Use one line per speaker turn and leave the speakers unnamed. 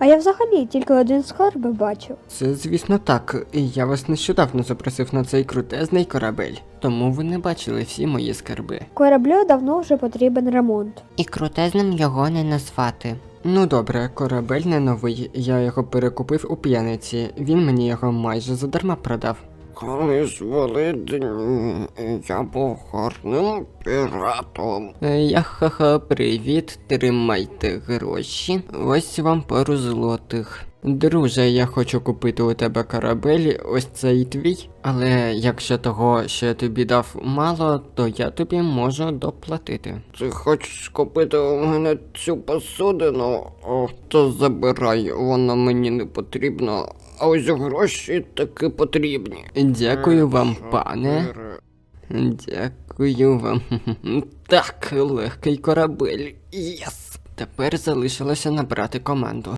я взагалі тільки один скарб бачив.
Це, звісно, так. Я вас нещодавно запросив на цей крутезний корабель, тому ви не бачили всі мої скарби.
Кораблю давно вже потрібен ремонт.
І крутезним його не назвати.
Ну добре, корабель не новий, я його перекупив у п'яниці, він мені його майже задарма продав.
Колись Великдень я був гарним піратом.
Ха-ха, привіт, тримайте гроші, ось вам пару злотих. Друже, я хочу купити у тебе корабель, ось цей твій, але якщо того, що я тобі дав, мало, то я тобі можу доплатити.
Ти хочеш купити у мене цю посудину? О, то забирай, вона мені не потрібна. А ось гроші таки потрібні.
Дякую вам, пане. Дякую вам. Так, легкий корабель. Єс! Тепер залишилося набрати команду.